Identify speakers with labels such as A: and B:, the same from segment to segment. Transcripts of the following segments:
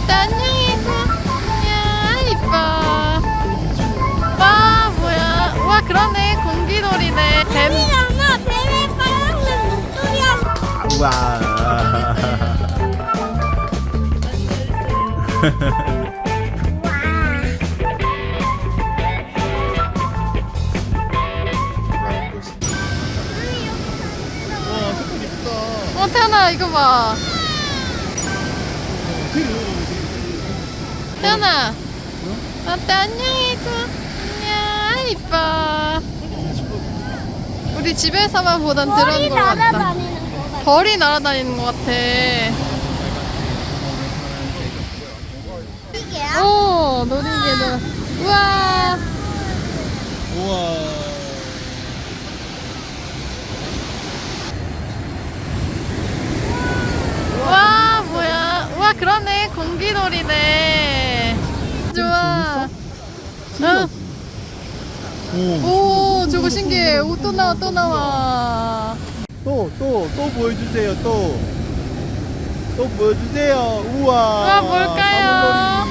A: 어때? 안녕해줘. 야, 이뻐. 와, 뭐야. 와, 그러네. 공기놀이네. 뱀.
B: 뱀이잖아. 뱀의 빨간색 목도리야.
C: 우와. 와, 색깔 예쁘다.
A: 태연아, 이거 봐. 태연아. 어때? 안녕해줘. 안녕. 이뻐. 우리 집에서만 보던
B: 머리
A: 드론 것 같다.
B: 날아다니는 거 같아.
A: 벌이 날아다니는 것 같아.
B: 이게야?
A: 오, 놀이개들. 우와.
C: 우와.
A: 와, 뭐야. 와, 그러네. 공기놀이네. 좋아. 응. 오, 저거 신기해. 오, 또 나와, 또 나와.
C: 또 보여주세요. 또 보여주세요. 우와.
A: 우와, 뭘까요?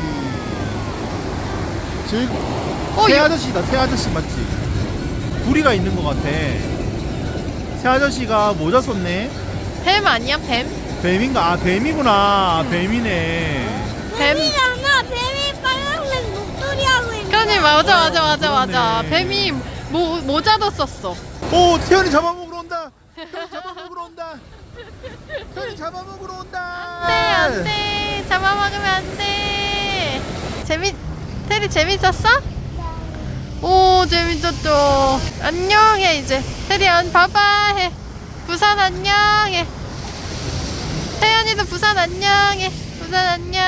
C: 새
A: 이거-
C: 아저씨다. 새 아저씨 맞지? 구리가 있는 것 같아. 새 아저씨가 모자 썼네.
A: 뱀 아니야, 뱀?
C: 뱀인가? 아, 뱀이구나. 뱀이네.
A: 뱀.
B: 뱀이잖아. 뱀이 빨간색 목도리 하고 있는
A: 그러니,
B: 거.
A: 맞아.
C: 그러네.
A: 뱀이 모자도 썼어.
C: 오, 태연이 잡아먹으러 온다. 태연이 잡아먹으러 온다. 태연이 잡아먹으러 온다.
A: 안 돼. 잡아먹으면 안 돼. 테리 재밌었어? 오, 재밌었죠. 안녕해, 이제. 테리, 봐봐, 해. 부산 안녕해. 태연이도 부산 안녕해. 부산 안녕.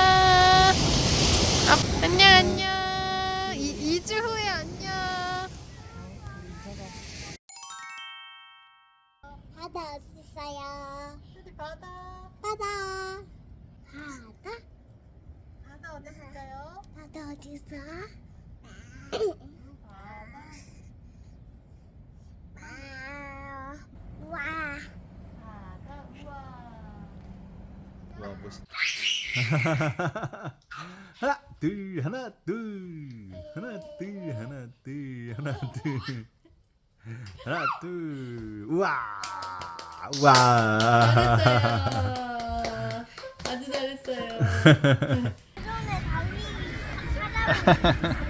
A: 안녕. 2주 후에 안녕.
B: 바다 어디 있어요?
A: 테리, 바다.
B: 바다.
A: 바다 어디 있을까요?
B: 바다 어디 있어? 와.
A: 바다, 우와.
C: 와, 멋있다. 하나 둘 우와.
A: 아주 잘했어요.
B: 전에 달리기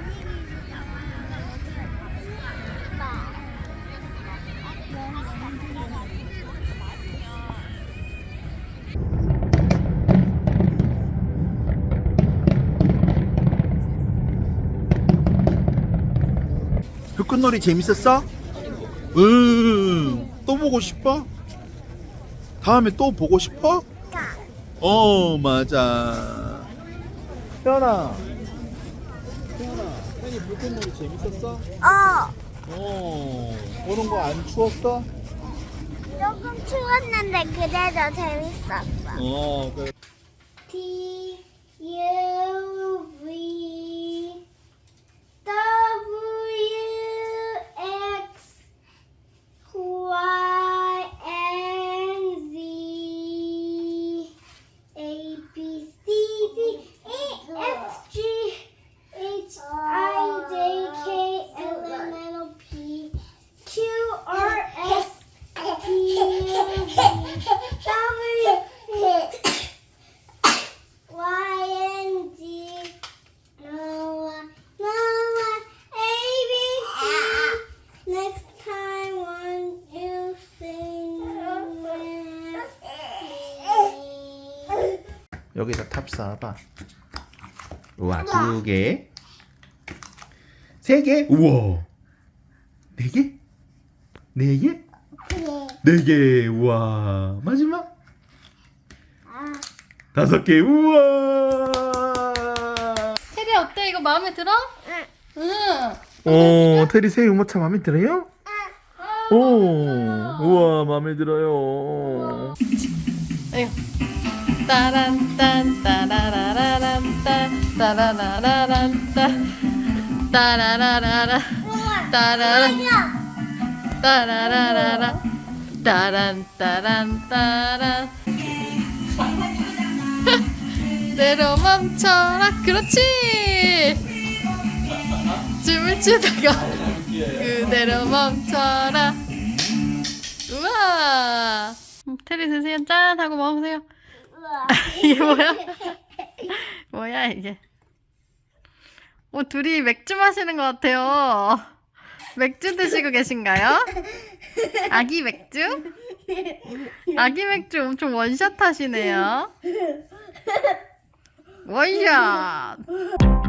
C: 불꽃놀이 재밌었어? 응. 또 보고 싶어? 다음에 또 보고 싶어? 맞아. 태연아, 태연이 불꽃놀이 재밌었어? 오는 거 안 추웠어?
B: 조금 추웠는데 그래도 재밌었어.
C: 그래.
B: T U V W X Y and Z A B C D E F G H I J K L M N O P Q R S T U V W Y and Z Noah A B C. Next time, won't you sing with me?
C: 여기다 탑 쌓아봐. 우와, 2개, 3개, 우와, 4개, 4개, 4개, 우와, 마지막 5개, 우와.
A: 테리 어때? 이거 마음에 들어? 응.
C: 테리 새 유모차 마음에 들어요? 우와, 마음에 들어요.
A: 아이고. 따란딴 따라라라란 딴 따라라라란 딴 따라라라라 따라라 따라라라라 따란 따란 따란 그대로 멈춰라. 그렇지. 춤을 추다가 그대로 멈춰라. 우와. 테리 드세요. 짠 하고 먹으세요. 이게 뭐야? 뭐야 이게? 둘이 맥주 마시는 것 같아요. 맥주 드시고 계신가요? 아기 맥주? 아기 맥주 엄청 원샷 하시네요. 원샷.